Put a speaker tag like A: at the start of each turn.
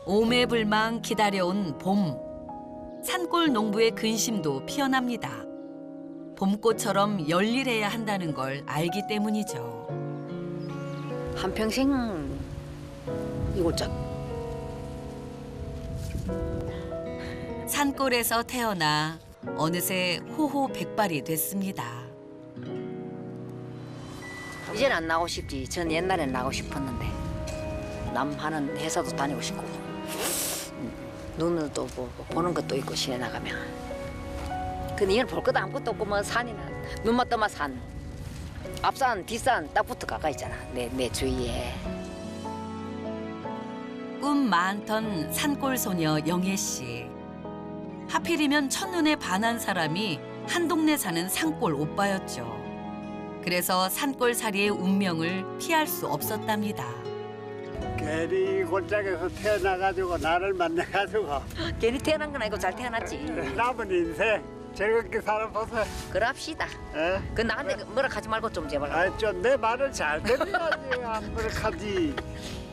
A: 오매불망 기다려온 봄. 산골 농부의 근심도 피어납니다. 봄꽃처럼 열일해야 한다는 걸 알기 때문이죠.
B: 한평생 이골짝.
A: 산골에서 태어나 어느새 호호백발이 됐습니다.
B: 이제는 안 나오고 싶지. 전 옛날엔 나오고 싶었는데. 남 하는 회사도 다니고 싶고. 눈을 또 보는 것도 있고 시내 나가면. 근데 이건 볼 것도 아무것도 없고 뭐 산이나 눈만 떠만 산. 앞산 뒷산 딱 붙어 가까이 있잖아. 내 주위에.
A: 꿈 많던 산골 소녀 영애 씨. 하필이면 첫눈에 반한 사람이 한 동네 사는 산골 오빠였죠. 그래서 산골살이의 운명을 피할 수 없었답니다.
C: 괜히 골짜기에서 태어나가지고 나를 만나가지고
B: 괜히 태어난 건 아니고 잘 태어났지.
C: 남은 인생 즐겁게 살아보세요.
B: 그럽시다.
C: 예?
B: 그 나한테 뭐라 하지 말고 좀 제발.
C: 좀 내 말을 잘 들어야지 안 그렇게하지.